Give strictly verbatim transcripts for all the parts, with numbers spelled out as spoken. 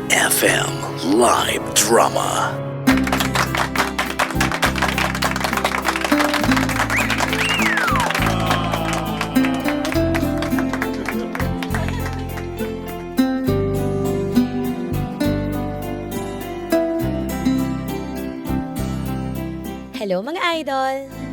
F M Live Drama. Hello mga idol!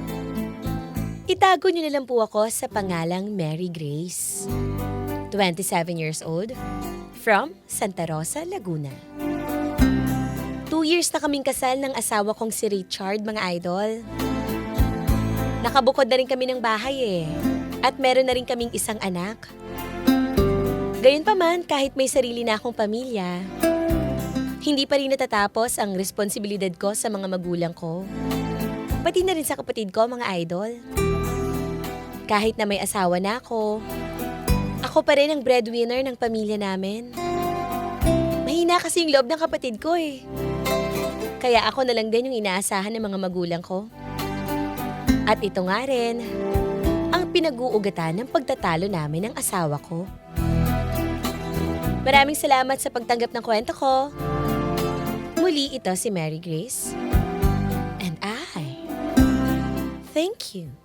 Itago niyo na lang po ako sa pangalang Mary Grace. twenty-seven years old, from Santa Rosa, Laguna. Two years na kaming kasal ng asawa kong si Richard, mga idol. Nakabukod na rin kami ng bahay eh, at meron na rin kaming isang anak. Gayunpaman, kahit may sarili na akong pamilya, hindi pa rin natatapos ang responsibilidad ko sa mga magulang ko. Pati na rin sa kapatid ko, mga idol. Kahit na may asawa na ako, ako pa rin ang breadwinner ng pamilya namin. Mahina kasi yung loob ng kapatid ko eh. Kaya ako na lang din yung inaasahan ng mga magulang ko. At ito nga rin, ang pinag-uugatan ng pagtatalo namin ng asawa ko. Maraming salamat sa pagtanggap ng kwento ko. Muli ito si Mary Grace. And I thank you.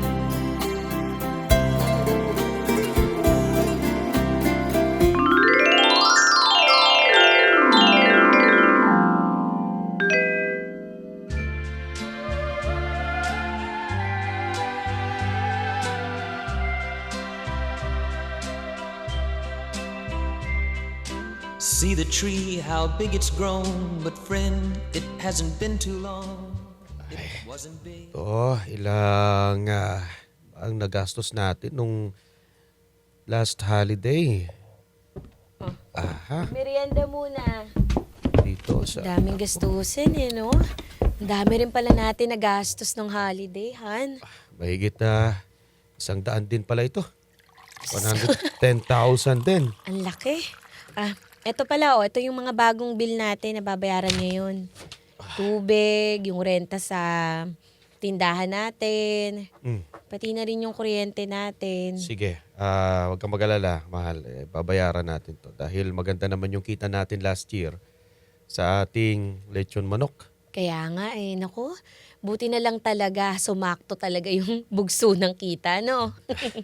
See the tree, how big it's grown. But friend, it hasn't been too long. It wasn't big. Oh, ilang ah, ang nagastos natin nung last holiday. Oh. Aha, Merienda muna. dito sa... Daming gastusin eh, no? Ang dami rin pala natin na gastos ng holiday, Han. Mahigit na isang daan din pala ito. one hundred ten thousand din. Ang laki. Ah, eto pala oh, ito yung mga bagong bill natin na babayaran ngayon. Tubig, yung renta sa tindahan natin, Mm. pati na rin yung kuryente natin. Sige, ah, wag kang mag-alala, mahal. Eh, babayaran natin to. Dahil maganda naman yung kita natin last year sa ating lechon manok. Kaya nga eh, naku, buti na lang talaga, sumakto talaga yung bugso ng kita, no?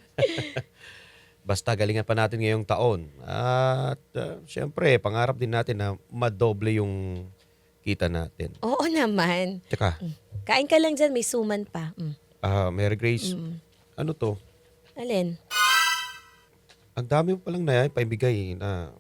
Basta galingan pa natin ngayong taon. At uh, syempre, pangarap din natin na madoble yung kita natin. Oo naman. Tsaka, Kain ka lang dyan, may suman pa. Mm. ah, Mary Grace, Mm. ano to? Alin? Ang dami mo palang na paibigay na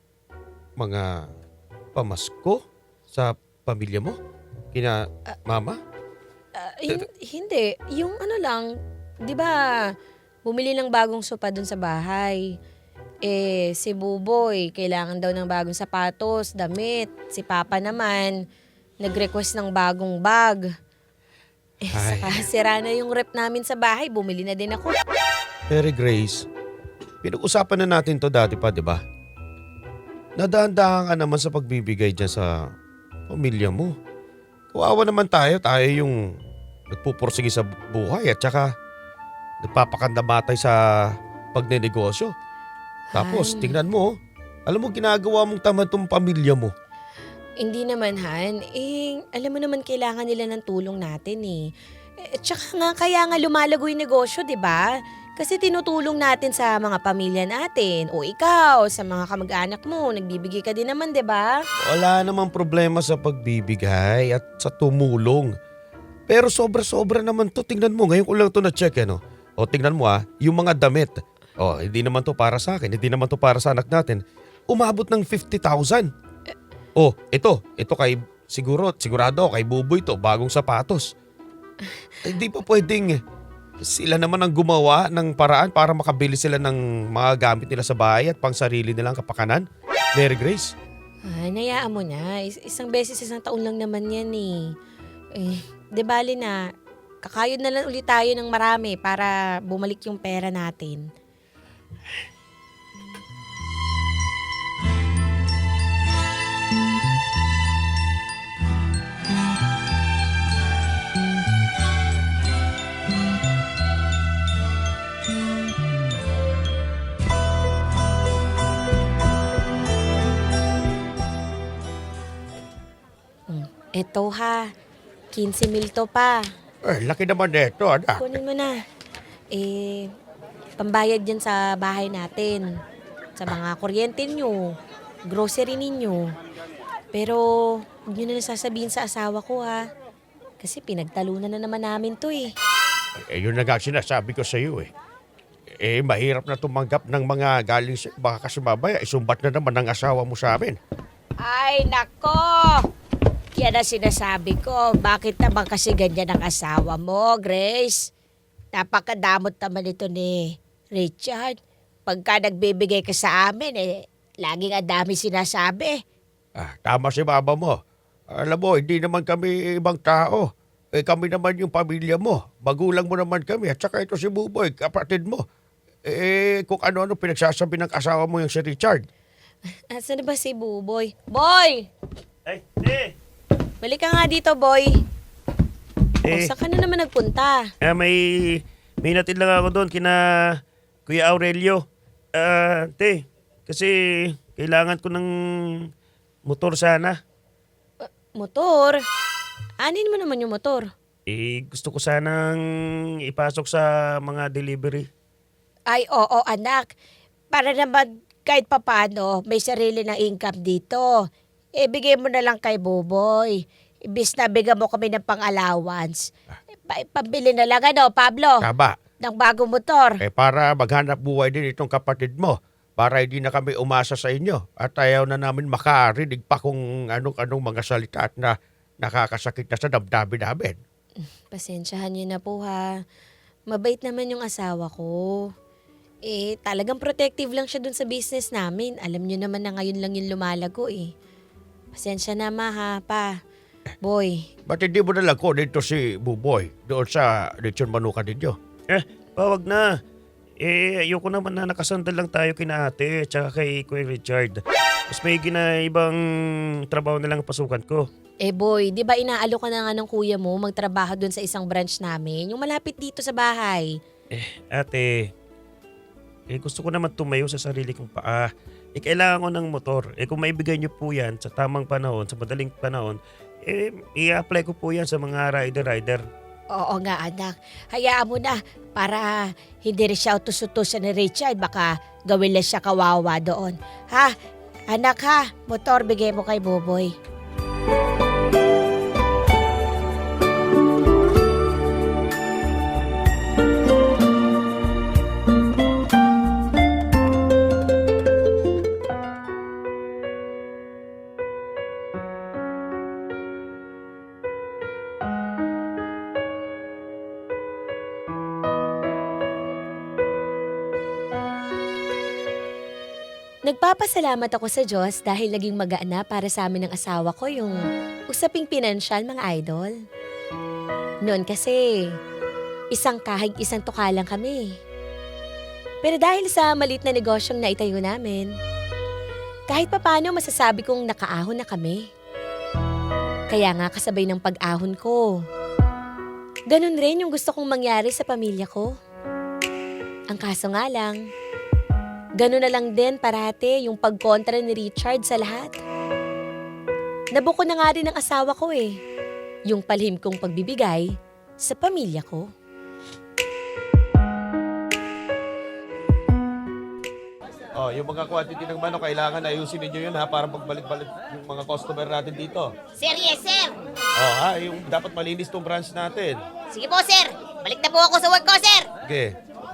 mga pamasko sa pamilya mo? Kina mama? Ah, hin- hindi. Yung ano lang, di ba, bumili ng bagong sopa dun sa bahay. Eh, si Buboy, kailangan daw ng bagong sapatos, damit. Si Papa naman, nag-request ng bagong bag. Eh, Ay. saka sira na yung rep namin sa bahay, bumili na din ako. Mary Grace, pinag-usapan na natin to dati pa, di ba? Nadaan-dahan ka naman sa pagbibigay dyan sa pamilya mo. Kawawa naman tayo, tayo yung nagpupursige sa buhay at saka nagpapakandamatay sa pagnenegosyo. Tapos, Han, tingnan mo, alam mo ginagawa mong tamad tong pamilya mo. Hindi naman, Han. Eh, alam mo naman kailangan nila ng tulong natin eh. Eh, tsaka nga, kaya nga lumalago yung negosyo, di ba? Kasi tinutulong natin sa mga pamilya natin. O ikaw, sa mga kamag-anak mo, nagbibigay ka din naman, di ba? Wala namang problema sa pagbibigay at sa tumulong. Pero sobra-sobra naman to. Tingnan mo, ngayon ko lang to na-check eh, no? O tingnan mo ah, yung mga damit. O, hindi naman to para sa akin, hindi naman to para sa anak natin. Umabot ng fifty thousand. O, ito, ito kay, siguro, sigurado kay Buboy to, bagong sapatos. Hindi pa pwedeng, sila naman ang gumawa ng paraan para makabili sila ng mga gamit nila sa bahay at pang sarili nilang kapakanan. Mary Grace. Ay, nayaan mo na. Is- isang beses, isang taon lang naman yan eh. Eh, di bali na, kakayod na lang ulit tayo ng marami para bumalik yung pera natin. Eto ha, fifteen mil to pa. Eh, laki naman nito, anak. Kunin mo na. Eh, pambayad yan sa bahay natin. Sa mga kuryente nyo, grocery ninyo. Pero, huwag nyo na nasasabihin sa asawa ko ha. Kasi pinagtalunan na naman namin to eh. Eh, yun na nga sinasabi ko sa iyo eh. Eh, mahirap na tumanggap ng mga galing sa baka kasi mamaya, isumbat na naman ng asawa mo sa amin. Ay, nako! Yan ang sinasabi ko. Bakit naman kasi ganyan ang asawa mo, Grace? Napakadamot naman ito ni Richard. Pagka nagbibigay ka sa amin, eh, laging ang dami sinasabi. Ah, tama si mama mo. Alam mo, hindi naman kami ibang tao. Eh, kami naman yung pamilya mo. Magulang mo naman kami. At saka ito si Buboy, kapatid mo. Eh, kung ano-ano pinagsasabi ng asawa mo yung si Richard. Asan na ba si Buboy? Boy! Ay, eh, Balik ka nga dito, boy. O, eh, saan ka na naman nagpunta? ah, may, may natin lang ako doon kina Kuya Aurelio. Ah, te, kasi kailangan ko ng motor sana. Motor? Anin mo naman yung motor? Eh, gusto ko sanang ipasok sa mga delivery. Ay, oo, anak. Para naman kahit papano, may sarili ng income dito. Ibigay mo na lang kay Buboy. Ibis na bigyan mo kami ng pang-allowance. Pa- pambili na lang ano, Pablo, Tama. ng bagong motor. Eh, para maghanap buhay din itong kapatid mo. Para hindi na kami umasa sa inyo. At ayaw na namin makarinig pa kung anong-anong mga salita at na nakakasakit na sa damdamin namin. Pasensyahan niyo na po ha. Mabait naman yung asawa ko. Eh, talagang protective lang siya dun sa business namin. Alam niyo naman na ngayon lang yung lumalago eh. Pasensya na ma ha, pa. Boy, Ba't hindi mo nalang ko dito si Buboy doon sa lechon manuka ninyo? Eh, pawag na. Eh, ayoko naman na nakasandal lang tayo kina ate at saka kay Kuya Richard. Mas may gina ibang trabaho na lang ang pasukan ko. eh boy, di ba inaalo ka na nga ng kuya mo magtrabaho dun sa isang branch namin? Yung malapit dito sa bahay. Ate, eh gusto ko naman tumayo sa sarili kong paa. Eh kailangan ko ng motor. Eh kung maibigay niyo po yan sa tamang panahon, sa madaling panahon, eh i-apply ko po yan sa mga rider-rider. Oo nga anak, hayaan mo na para hindi rin siya utos-utosan ni Richard. Baka gawin lang siya kawawa doon. Ha? Anak ha, motor bigay mo kay Boboy. Nagpapasalamat ako sa Diyos dahil naging magaan na para sa amin ng asawa ko yung usaping pinansyal, mga idol. Noon kasi, isang kahig isang tuka lang kami. Pero dahil sa malit na negosyong naitayo namin, kahit papano masasabi kong nakaahon na kami. Kaya nga kasabay ng pag-ahon ko, ganun rin yung gusto kong mangyari sa pamilya ko. Ang kaso nga lang, ganun na lang din parate yung pagkontra ni Richard sa lahat. Nabuko na nga rin ng asawa ko eh. Yung palhim kong pagbibigay sa pamilya ko. Oh, yung mga quantity ng manok, kailangan ayusin ninyo yun ha para pagbalik-balik yung mga customer natin dito. Sir, yes, sir. Oh, ha, yung dapat malinis tong branch natin. Sige po, sir. Balik na po ako sa work ko, sir. Okay.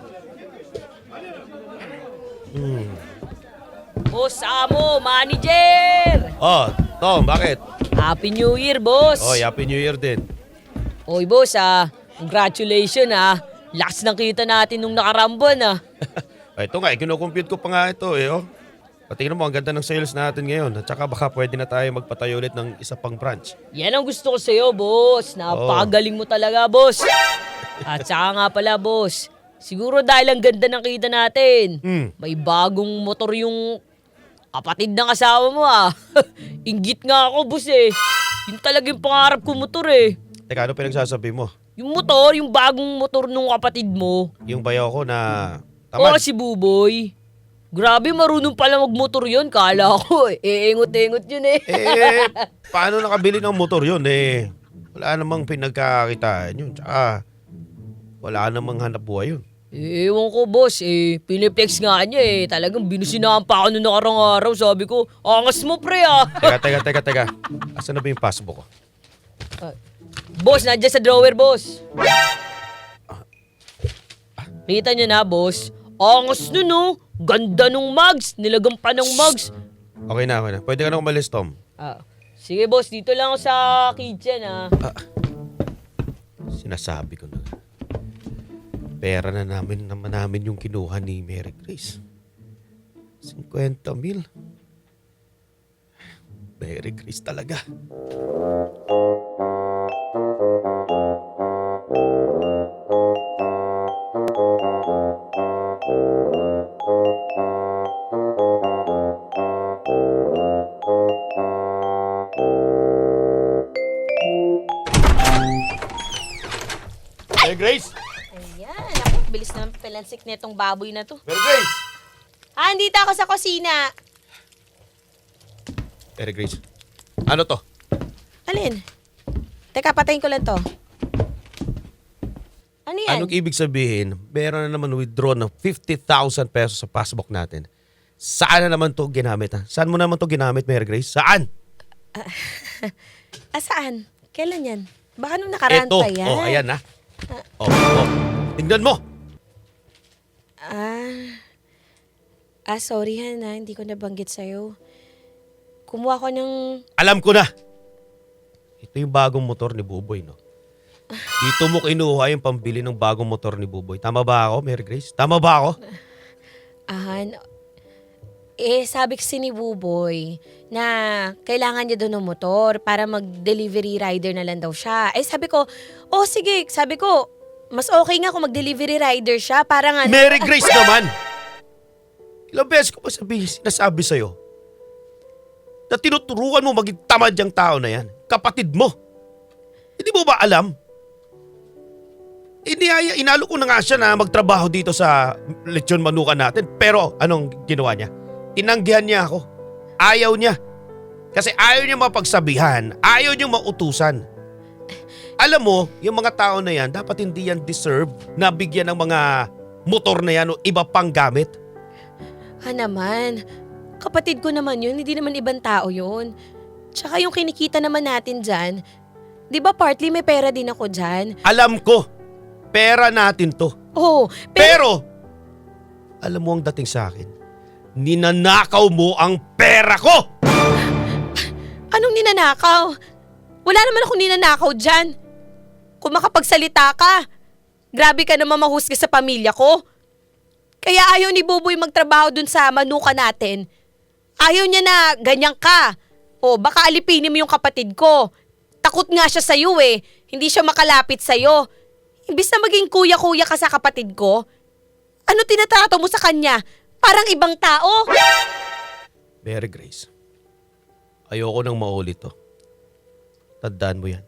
Boss Amo, manager! Oh, Tom, bakit? Happy New Year, boss! Oh, Happy New Year din. Oy, boss ah. Congratulations ah. Lakas ng kita natin nung nakarambon ah. Ay, ito nga, kinukompute ko pa nga ito eh, oh. Patingnan mo, ang ganda ng sales natin ngayon. At saka baka pwede na tayo magpatayo ulit ng isa pang branch. Yan ang gusto ko sa'yo, boss. Napakagaling mo talaga, boss. At saka nga pala, boss. Siguro dahil ang ganda ng kita natin. Hmm. May bagong motor yung kapatid ng asawa mo ah. Inggit nga ako, boss eh. Yun talagang pangarap ko motor eh. Teka, ano pinagsasabi mo? Yung motor, yung bagong motor nung kapatid mo. Yung bayaw ko na Oo, tamad. si Buboy. Grabe, marunong pala magmotor yun. Kala ko, eh, iingot-ingot yun eh. Eh, paano nakabili ng motor yun eh? Wala namang pinagkakitaan yun. Tsaka, wala namang hanap buhay yun. Eh, ewan ko, boss. Eh, piniplex nga niya eh. Talagang binusinahan pa ako noong nakarang araw. Sabi ko, angas mo, pre ah. Teka, teka, teka, teka. Asan na ba yung passbook ko? Boss, nandiyan sa drawer, boss. Kita niyo na, boss. Angas nun, no? Ganda nung mugs. Nilagam pa ng mugs. Okay na, okay na. Pwede ka na umalis, Tom. Ah, sige, boss. Dito lang ako sa kitchen, ah. Sinasabi ko na. Pera na namin naman namin yung kinuha ni Mary Grace. fifty mil. Mary Grace talaga. Mary Grace! Ayan, ako, bilis naman palansik na itong baboy na to. Mary Grace! Ah, andito ako sa kusina. Mary Grace, ano to? Alin? Teka, patayin ko lang to. Ano yan? Anong ibig sabihin, meron na naman withdraw ng fifty thousand pesos sa passbook natin. Saan na naman to ginamit ha? Saan mo naman to ginamit, Mary Grace? Saan? Ah, saan? Kailan yan? Baka nung nakaraan Ito. pa yan. Oh, ayan ha. Oh, oh. Tingnan mo. Ah, ah sorry han ha, hindi ko nabanggit sa'yo. Kumuha ko ng... Alam ko na. Ito yung bagong motor ni Buboy, no? Dito mo kinuha yung pambili ng bagong motor ni Buboy. Tama ba ako, Mary Grace? Tama ba ako? Ahan, eh sabi kasi ni Buboy na kailangan niya doon ng motor para mag-delivery rider na lang daw siya. Eh sabi ko, oh sige, sabi ko, mas okay nga kung mag-delivery rider siya para nga... Mary Grace naman! Ilang beses ko pa sabi, sinasabi sa'yo na tinuturuan mo maging tamad yung tao na yan. Kapatid mo. Hindi mo ba alam? Iniyaya, inalo ko na nga siya na magtrabaho dito sa lechon manukan natin. Pero anong ginawa niya? Tinanggihan niya ako. Ayaw niya. Kasi ayaw niya mapagsabihan. Ayaw niya mautusan. Alam mo, yung mga tao na yan, dapat hindi yan deserve na bigyan ng mga motor na yan o iba pang gamit. Ha naman, kapatid ko naman yun, hindi naman ibang tao yun. Tsaka yung kinikita naman natin dyan, di ba partly may pera din ako dyan? Alam ko, pera natin to. Oh, pero... Pero, alam mo ang dating sa akin, ninanakaw mo ang pera ko! Anong ninanakaw? Wala naman akong ninanakaw dyan. Kung makapagsalita ka, grabe ka naman mahusga sa pamilya ko. Kaya ayaw ni Buboy magtrabaho dun sa manuka natin. Ayaw niya na ganyan ka. O baka alipinin mo yung kapatid ko. Takot nga siya sa'yo eh. Hindi siya makalapit sa'yo. Imbis na maging kuya-kuya ka sa kapatid ko, ano tinatrato mo sa kanya? Parang ibang tao. Mary Grace, ayoko nang maulit to. Tandaan mo yan.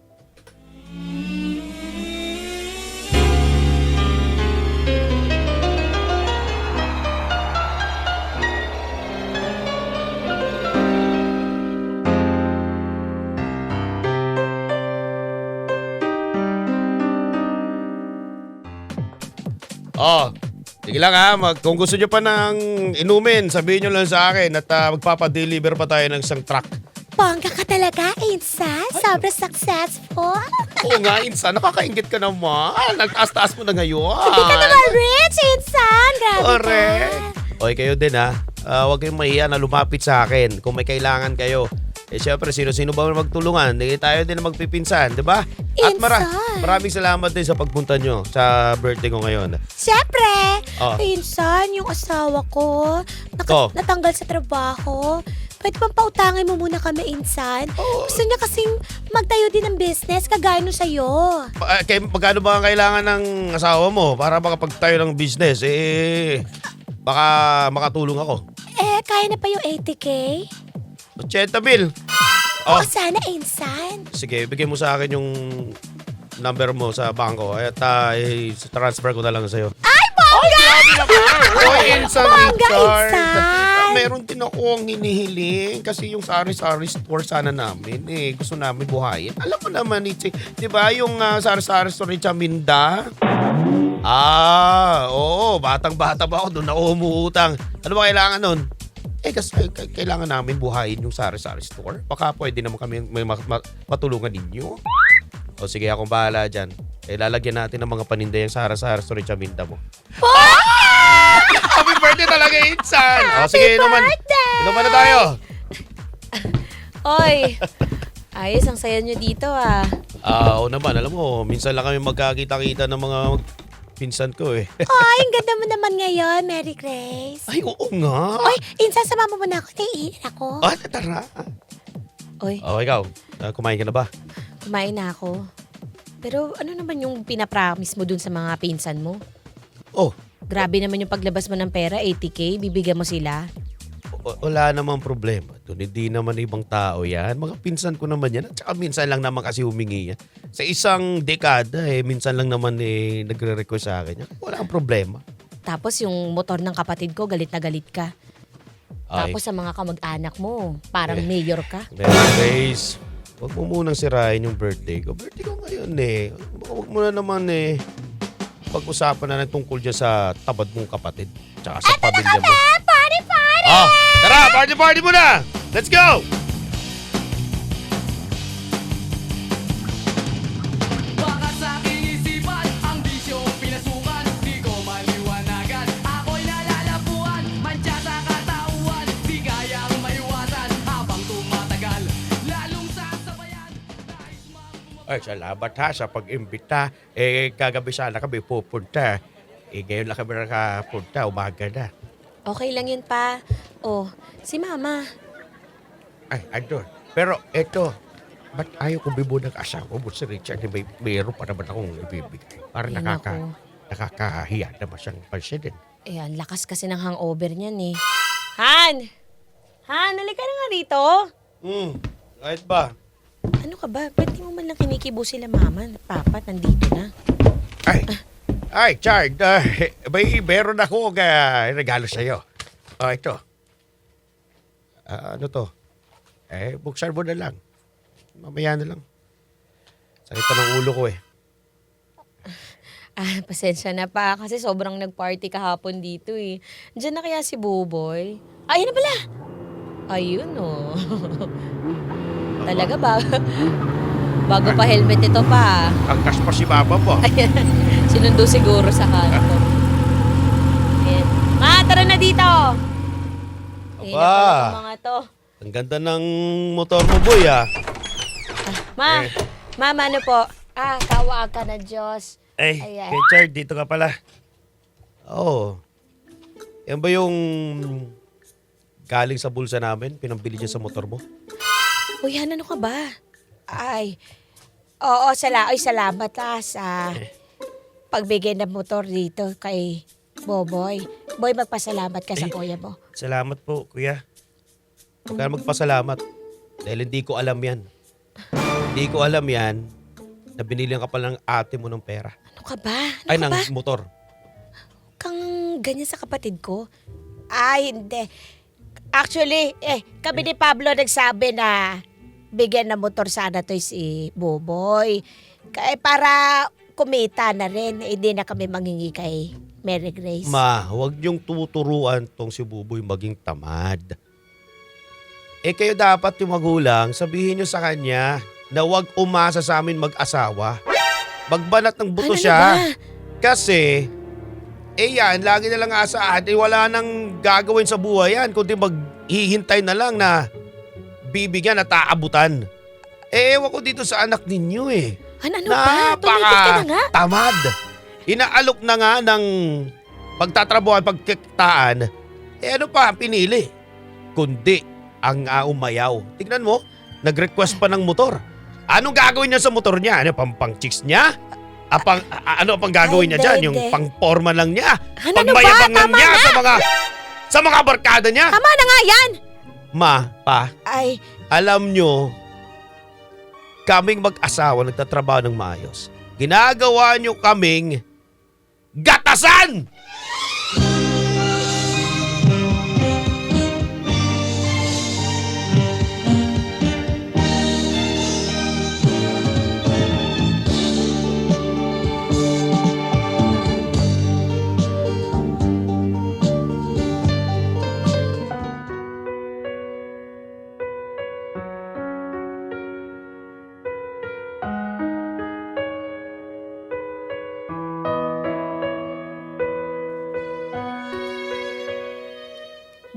Oh, sige lang ha. Mag, kung gusto nyo pa ng inumin, sabihin nyo lang sa akin at uh, magpapadeliver pa tayo ng isang truck. Bongga ka talaga, Insan. Sobrang successful. Oo nga, Insan. Nakakaingit ka naman. Nagtaas-taas mo na ngayon. Hindi ka naman rich, Insan. Grabe Correct. ka. Okay, kayo din ha. Uh, huwag kayong mahiya na lumapit sa akin kung may kailangan kayo. Eh syempre, sino-sino ba magtulungan? Hindi tayo din na magpipinsan, di ba? At mara- Insan. maraming salamat din sa pagpunta nyo sa birthday ko ngayon. Siyempre, Oh. Insan, yung asawa ko, naka- Oh. natanggal sa trabaho. Pwede bang pautangin mo muna kami, Insan? Oh. Gusto niya kasing magtayo din ng business, kagaya nung sa'yo. Pa- eh, kay, magkano ba ang kailangan ng asawa mo para makapagtayo ng business? Eh, baka makatulong ako. Eh, kaya na pa yung eighty K? eighty mil. Oh, O sana, Insan. sige, bigay mo sa akin yung number mo sa bangko at uh, transfer ko na lang sa'yo. Ay, Oy, Insan Bongga, Richard. Insan. Meron din ako ang hinihiling kasi yung sari-sari store sana namin eh. Gusto namin buhayin. Alam mo naman, Itzi, di ba yung uh, sari-sari store ni Chaminda? Ah, oo. Batang-bata ba ako doon na umuutang. Ano ba kailangan nun? Eh, kasi k- kailangan namin buhayin yung sari-sari store. Baka pwede naman kami may ma- ma- matulungan ninyo. O sige, akong bahala dyan. Eh, lalagyan natin ng mga paninda yung sari-sari store ni Chaminda mo. Happy birthday talaga, Insan! O sige, inuman. Inuman na tayo. Oy, ayos ang saya nyo dito ah. Ah, oo naman. Alam mo, minsan lang kami magkakita-kita ng mga pinsan ko eh. Ay, ang ganda mo naman ngayon, Mary Grace. Ay, oo nga. Oy, Insan, sama mo muna ako. Naiinit ako. Ah, tara. Oy, Oh, ikaw. ah, kumain ka na ba? kumain na ako. Pero ano naman yung pinapromise mo dun sa mga pinsan mo? Oh, Grabe naman yung paglabas mo ng pera, eighty K, bibigyan mo sila. w- wala namang problema. Doon, hindi naman ibang tao yan. Mga pinsan ko naman yan. At saka minsan lang naman kasi humingi yan. Sa isang dekada, eh, minsan lang naman eh, nagre-request sa akin yan. Wala ang problema. Tapos yung motor ng kapatid ko, galit na galit ka. Ay. Tapos sa mga kamag-anak mo, parang Eh. mayor ka. Mary Grace, huwag mo munang sirain yung birthday ko. Birthday ko ngayon eh. Baka Huwag mo na naman eh. Pag-usapan na ng tungkol dyan sa tabad mong kapatid. Tsaka sa pamilya mo. Party, party! Ah, tara, party party muna! Let's go! Baka sa aking isipan, ang bisyong pinasukan, di ko maliwanagan. Ako'y nalalapuan, mantsa sa katauhan, di kayang maiwasan habang tumatagal. Lalong sasabayan, nais mang Ay, salamat ha sa pag-imbita. Eh, kagabi sana kami pupunta. Eh, ngayon lang kami nakapunta. Umaga na. Okay lang yun pa. Oh, si mama. Ay, andun. Pero eto, ba't ayaw kong bibo ng asawa mo si Richard? Eh, May, mayroon pa naman akong ibibigay. Para Ay, nakaka, naku. nakakahiya naman siyang pansinin. Eh, ang lakas kasi ng hangover niyan eh. Han! Han, halika na nga rito. Hmm, kahit ba? Ano ka ba? Ba't di mo man lang kinikibo sila mama at papa? Nandito na. Ay, ay, Chard, uh, may meron ako uh, regalo sa'yo. Oh, ito. Ah, ano to? Eh, buksan mo na lang. Mamaya na lang. Sakit pa ng ulo ko eh. Ah, pasensya na pa kasi sobrang nag-party kahapon dito eh. Diyan na kaya si Buboy? Ayun na pala! Ayun oh. Talaga ba? Bago pa helmet ito pa. Angkas pa si Mama mo. Ayan. Sinundo siguro sa kanto. Ayan. Ma, tara na dito! Ayun na Aba. pala itong mga to. Ang ganda ng motor mo, boy, ah. Ma, Eh. mama ano po? Ah, kawa ka na Diyos. Ay, Ayan. kay Chard, dito ka pala. Oo. Yan ba yung galing sa bulsa namin? Pinambili niya sa motor mo? Uy, Han, ano ka ba? Ay, oo, sala ay, salamat ah, sa pagbigay ng motor dito kay Boboy. Boy, magpasalamat ka sa Ay. kuya mo. Salamat po, kuya. Huwag ka na magpasalamat. Dahil hindi ko alam yan. Hindi ko alam yan na binilihan ka pala ng ate mo ng pera. Ano ka ba? Ano Ay, ka ng ba? motor. Kang ganyan sa kapatid ko? Ay, hindi. Actually, eh, kami ni Pablo nagsabi na bigyan ng motor sana to si Boboy. Kaya para kumita na rin, hindi na kami mangingi kay Mary Grace. Ma, huwag niyong tuturuan tong si Buboy maging tamad. Eh kayo dapat yung magulang, sabihin niyo sa kanya na huwag umasa sa amin mag-asawa. Magbanat ng buto Ano siya. ba? Kasi, eh yan, lagi na lang asaan. Eh wala nang gagawin sa buhay yan, kundi maghihintay na lang na bibigyan at aabutan. Eh ewan ko dito sa anak ninyo eh. Han, ano ba? Tumigil ka na nga. tamad. Inaalok na nga ng pagtatrabuhan, pagkikitaan. Eh ano pa ang pinili? Kundi ang uh, umayaw. Tignan mo, nag-request pa ng motor. Anong gagawin niya sa motor niya? Ano, pang pang chicks niya? Apang, a- ano pang gagawin Ay, niya hindi, dyan? Yung hindi. pang forma lang niya? Han, ano ba? Pagmayabangan Tama niya na. sa mga sa mga barkada niya? Tama na nga yan! Ma, pa, Ay, alam nyo, kaming mag-asawa nagtatrabaho ng maayos. Ginagawa nyo kaming gatasan!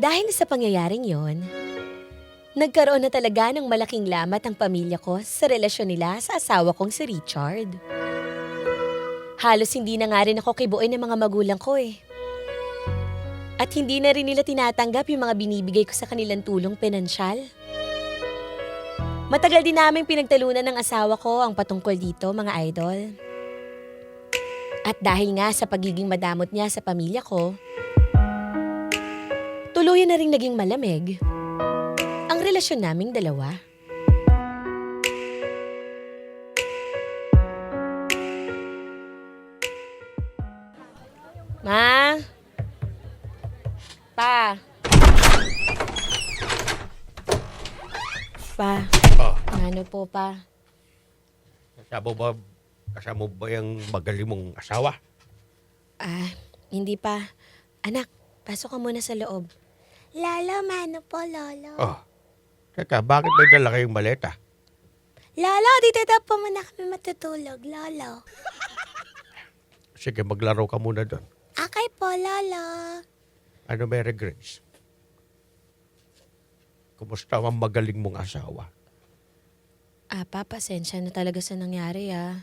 Dahil sa pangyayaring yon, nagkaroon na talaga ng malaking lamat ang pamilya ko sa relasyon nila sa asawa kong si Richard. Halos hindi na nga rin ako kibuin ng mga magulang ko eh. At hindi na rin nila tinatanggap yung mga binibigay ko sa kanilang tulong pinansyal. Matagal din naming pinagtalunan ng asawa ko ang patungkol dito, mga idol. At dahil nga sa pagiging madamot niya sa pamilya ko, tuluyan na rin naging malamig ang relasyon naming dalawa. Ma? Pa? Pa? Oh, Ano po pa? kasama ba, kasama ba yung magaling mong asawa? Ah, hindi pa. Anak, pasok ka muna sa loob. Lolo, mano po, Lolo. Oh, teka, bakit may dala kayong maleta? Lolo, dito daw po muna kami matutulog, Lolo. Sige, maglaro ka muna doon. Okay po, Lolo. Ano, Mary Grace? Kumusta ang magaling mong asawa? Ah, pa, pasensya na talaga sa nangyari ah.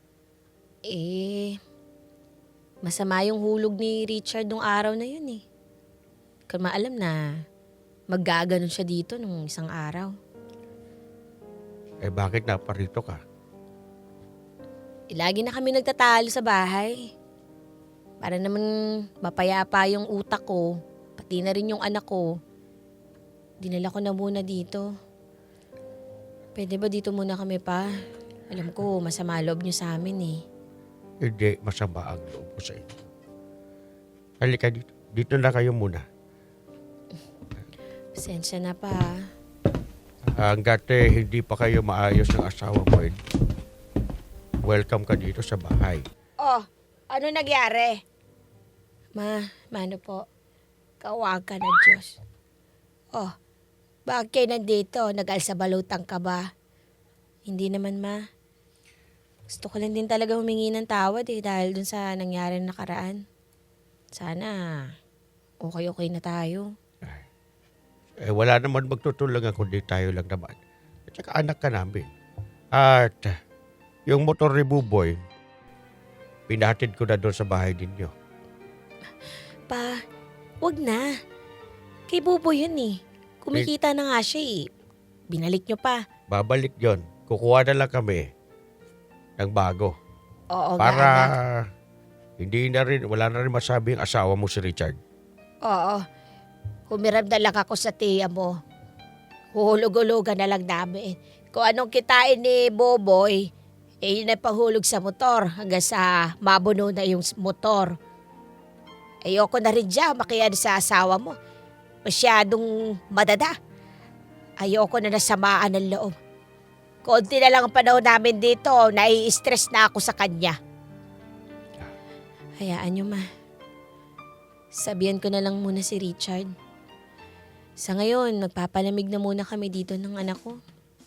Eh, masama yung hulog ni Richard nung araw na yun eh. Kung maalam na maggaganon siya dito nung isang araw. Eh, bakit naparito ka? Eh, lagi na kami nagtatalo sa bahay. Para naman mapayapa yung utak ko, pati na rin yung anak ko. Dinala ko na muna dito. Pwede ba dito muna kami pa? Alam ko, masama loob niyo sa amin eh. Hindi, masama ang loob ko sa inyo. Halika dito. Dito na kayo muna. Pasensya na pa. Hanggat eh, hindi pa kayo maayos ng asawa mo, eh, welcome ka dito sa bahay. Oh, ano nagyari? Ma, mano po? Kawag ka na Diyos. Oh, bakit kayo nandito? Nag-alsabalutang ka ba? Hindi naman, ma. Gusto ko lang din talaga humingi ng tawad eh dahil dun sa nangyari na nakaraan. Sana okay-okay na tayo. Eh, wala naman magtutulungan kundi tayo lang naman. At saka anak ka namin. At yung motor ni Buboy, pinahatid ko na doon sa bahay ninyo. Pa, wag na. Kay Bobo yun eh. Kumikita na nga siya eh. Binalik nyo pa. Babalik yon. Kukuha na lang kami ng bago. Oo, Para ganak. hindi na rin, wala na rin masabi ang asawa mo si Richard. Oo. Humiram na lang ako sa tiya mo. Huhulog-hulugan na lang namin. Kung anong kitain ni Boboy, eh yun ay pahulog sa motor hanggang sa mabuno na yung motor. Ayoko na rin dyan makiyan sa asawa mo. Masyadong madada. Ayoko na nasamaan ng loob. Konti na lang ang panahon namin dito, nai-stress na ako sa kanya. Hayaan nyo, ma. Sabihan ko na lang muna si Richard. Sa ngayon, magpapalamig na muna kami dito ng anak ko.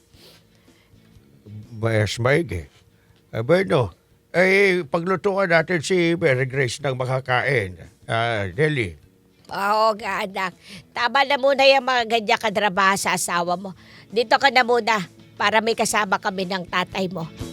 Mas maigi. Eh, bueno, eh, paglutuan natin si Mary Grace ng makakain. Ah, Deli. Oo nga anak, tama na muna yung mga ganyan kadrabaha sa asawa mo. Dito ka na muna para may kasama kami ng tatay mo.